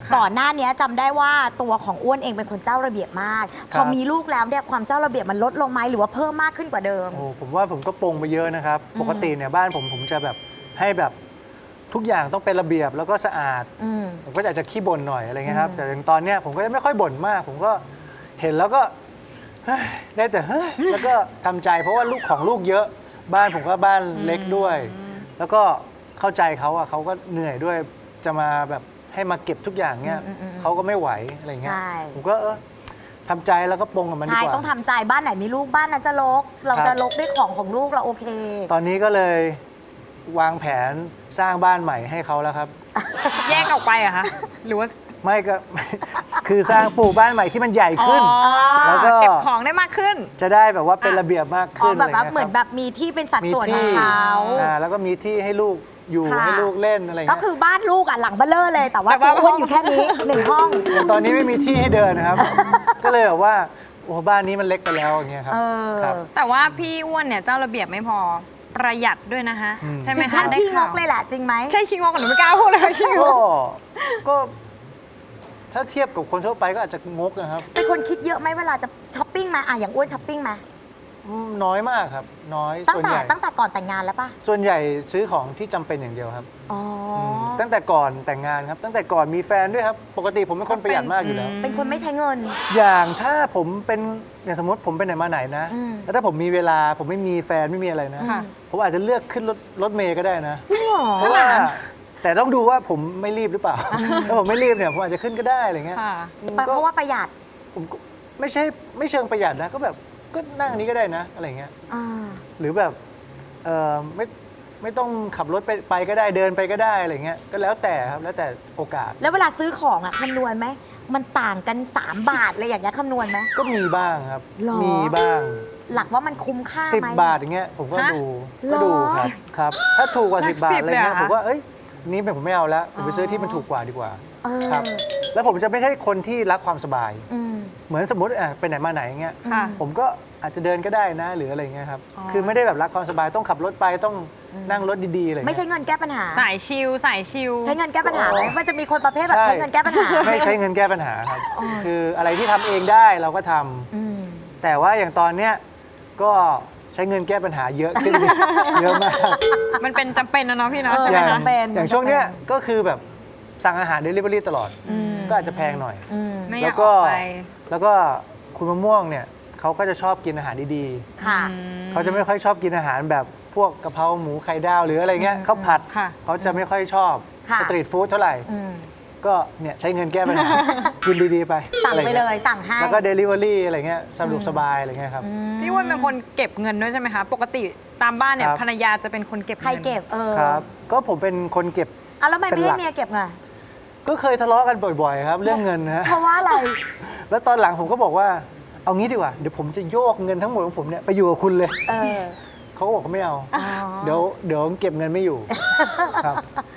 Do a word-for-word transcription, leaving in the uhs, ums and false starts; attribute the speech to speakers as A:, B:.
A: ก่อนหน้านี้จำได้ว่าตัวของอ้วนเองเป็นคนเจ้าระเบียบมากพอมีลูกแล้วเนี่ยความเจ้าระเบียบมันลดลงไหมหรือว่าเพิ่มมากขึ้นกว่าเดิม
B: โอ้ผมว่าผมก็ปรงไปเยอะนะครับปกติเนี่ยบ้านผมผมจะแบบให้แบบทุกอย่างต้องเป็นระเบียบแล้วก็สะอาดผมก็อาจจะขี้บ่นหน่อยอะไรเงี้ยครับแต่ตอนเนี้ยผมก็ไม่ค่อยบ่นมาก ผมก็เห็นแล้วก็ได้แต่เฮ้ยแล้วก็ทำใจเพราะว่าลูกของลูกเยอะบ้านผมก็บ้านเล็กด้วย แล้วก็เข้าใจเขาอะเขาก็เหนื่อยด้วยจะมาแบบให้มาเก็บทุกอย่างเนี้ยเขาก็ไม่ไหวอะไรเงี้ยผมก็เออทำใจแล้วก็ปรงกับมันดีกว่า
A: ใช่ต้องทำใจบ้านไหนมีลูกบ้านนั้นจะรกเราจะรกด้วยของของลูกเราโอเค
B: ตอนนี้ก็เลยวางแผนสร้างบ้านใหม่ให้เขาแล้วครับ
C: แยกออกไปเหรอะคะหรือว่า
B: ไม่ก็ คือสร้างปลูกบ้านใหม่ที่มันใหญ่ขึ้น แล้วก็
C: เก็บของได้มากขึ้น
B: จะได้แบบว่าเป็นระเบียบมาก
A: อ๋อ
B: ขึ้น
A: แบบว่า
B: ะไรงี้ย
A: เหมือนแบบมีที่เป็นสัด
B: มี
A: ส่วนขอ
B: ที่
A: งเขา
B: อ่าแล้วก็มีที่ให้ลูกอยู่
A: ค่ะ
B: ให้ลูกเล่นอะไร
A: ก็
B: เงี้ย
A: คือบ้านลูกอ่ะหลังเบ้อเร่อเลย แต่ว่า
C: แต่
A: ตัว
C: ว่า
A: อ้วนอยู่แค่นี้หนึ่งห้อง
B: แต่ตอนนี้ไม่มีที่ให้เดินนะครับ ก็เลยแบบว่าโอ้บ้านนี้มันเล็กไปแล้วอย่างเงี้ยครับ
A: เออ
B: ครับ
C: แต่ว่าพี่อ้วนเนี่ยเจ้าระเบียบไม่พอประหยัดด้วยนะคะ
B: อืม
C: ใช่ไหม
A: ถึง
C: คะ
A: ขั้น
C: ได้
A: ขี้ง
C: ข่าว
A: กเลยแหละจริงไหม
C: ใช่ขี้งกกับหนูไม่กล้าพูดเลยขี้ง
B: ก็
C: ก
B: ก็ ถ้าเทียบกับคนทั่วไปก็อาจจะงกนะครับ
A: เป็นคนคิดเยอะไหมเวลาจะช้อปปิ้งมาอ่ะอย่างอ้วนช้อปปิ้งมา
B: อืมน้อยมากครับ น้อย
A: ตั้ง
B: ส่วน
A: แต่
B: ใหญ่
A: ตั้งแต่ก่อนแต่งงานแล้วป่ะ
B: ส่วนใหญ่ซื้อของที่จำเป็นอย่างเดียวครับ
A: อ๋ออ
B: มตั้งแต่ก่อนแต่งงานครับ ตั้งแต่ก่อนมีแฟนด้วยครับ ปกติผมเป็นคนประหยัดมากอยู่แล้ว
A: เป็นคนไม่ใช้เงิน
B: อย่างถ้าผมเป็นอย่างสมมติผมไปไหนมาไหนนะ
A: อืม
B: แล้วถ้าผมมีเวลาผมไม่มีแฟนไม่มีอะไรนะ
C: ค่ะ
B: ผมอาจจะเลือกขึ้นรถรถเมย์ก็ได้นะ
A: จริงเหรอ
B: เพราะว่าแต่ต้องดูว่าผมไม่รีบหรือเปล่า ถ้าผมไม่รีบเนี่ยผมอาจจะขึ้นก็ได้อะไรเงี้ย
C: ค่ะ
B: อืม
A: เพ
B: ก็
A: ราะว่าประหยัด
B: ผมก็ไม่ใช่ไม่เชิงประหยัดนะก็แบบก็นั่งอันนี้ก็ได้นะอะไรเงี้ย
A: อ่า
B: หรือแบบเออไม่ไม่ต้องขับรถไปไปก็ได้เดินไปก็ได้อะไรเงี้ยก็แล้วแต่ครับแล้วแต่โอกาส
A: แล้วเวลาซื้อของอ่ะคำนวณไหม มันต่างกัน สาม บาทอะไรอย่างเงี้ยคำนวณไหม
B: ก็มีบ้างครับ
A: หรอ
B: มีบ้าง
A: หลักว่ามันคุ้มค่า
B: สิบ
A: ไหม
B: บาทอย่างเงี้ยผมก็
C: ฮะ
B: ดู
A: หรอ
B: ก็ดูครับครับ ถ้าถูกกว่า
C: หลั
B: สิ
C: ก
B: บบาท
C: สิบ
B: อะไรเงี้ย
C: เลยเหรอ
B: ผมว่าเอ้ยอันนี้ผมไม่เอาแล้วผมไปซื้อที่มันถูกกว่าดีกว่า
A: เออ
B: ครับ แล้วผมจะไม่ใช่คนที่รักความสบาย
A: อืม
B: เหมือนสมมติอ่ะไปไหนมาไหนอย่างเงี้ย
C: ค่ะ
B: ผมก็อาจจะเดินก็ได้นะหรืออะไรเงี้ยครับ
C: อ๋อ
B: คือไม่ได้แบบรักความสบายต้องขับรถไปต้องนั่งรถดีๆอะไร
A: ไม่
B: เงี้
A: ใช้
B: ย
A: เงินแก้ปัญหา
C: สายชิลสายชิล
A: ใช้เงินแก้ปัญหาไหมมันจะมีคนประเภทแบบ
B: ใช่
A: ใช้เงินแก้ปัญหา
B: ไม่ใช้เงินแก้ปัญหาครับ
A: อ๋อ
B: คืออะไรที่ทำเองได้เราก็ทำ
A: อืม
B: แต่ว่าอย่างตอนเนี้ยก็ใช้เงินแก้ปัญหาเยอะขึ้น เยอะมาก
C: มันเป็นจำเป็นนะเนาะพี่เนาะ
A: เออ
C: ใช่
B: อ
C: ไหม
B: ย่าง
C: คะ
A: เป็น
B: อย่างช่วงเนี้ยก็คือแบบสั่งอาหาร Delivery ตลอด
A: อืม
B: ก็อาจจะแพงหน่อย
A: อืม
C: ไม่อ
B: แล้
C: ยาก
B: วก็
C: ออกไป
B: แล้วก็คุณมะม่วงเนี่ยเขาก็จะชอบกินอาหารดี
A: ค่ะ
B: ๆเขาจะไม่ค่อยชอบกินอาหารแบบพวกกะเพราหมูไข่ดาวหรืออะไรเงี้ยข้าวผัด
C: ค่ะ
B: เขาจะไม่ค่อยชอบ
A: ค่ะ
B: สตรีทฟู้ดเท่าไหร่
A: อืม
B: ก็เนี่ยใช้เงินแก้ปัญหา กินดีๆไป
A: สั่ง
B: อะไร
A: ไป
B: งี้
A: เลยสั่งให้
B: แล้วก็ Delivery อะไรเงี้ยสะดวกสบายอะไรเงี้ยครับ
C: พี่อ้วนเป็นคนเก็บเงินด้วยใช่ไหมคะ ปกติตามบ้านเนี่ย
B: ครับ
C: ภรรยาจะเป็นคนเก็บ
A: ใคร
C: เงิน
A: เก็บเออ
B: ครับ ก็ผมเป็นคนเก็บ
A: อ่ะแล้วทำไม
B: เป็น
A: ไม่
B: หลั
A: ให้
B: ก
A: เมียเก็บไง
B: ก็เคยทะเลาะกันบ่อยๆครับ เรื่องเงินนะฮะ
A: เพราะว่าอะไร
B: แล้วตอนหลังผมก็บอกว่า เอางี้ดีกว่า เดี๋ยวผมจะโยกเงินทั้งหมดของผมเนี่ยไปอยู่กับคุณเลย
A: เออ
B: เขาก็บอกเขาไม่เอา
A: อ๋อ
B: เดี๋ยวเดี๋ยวเก็บเงินไม่อยู่ ครับ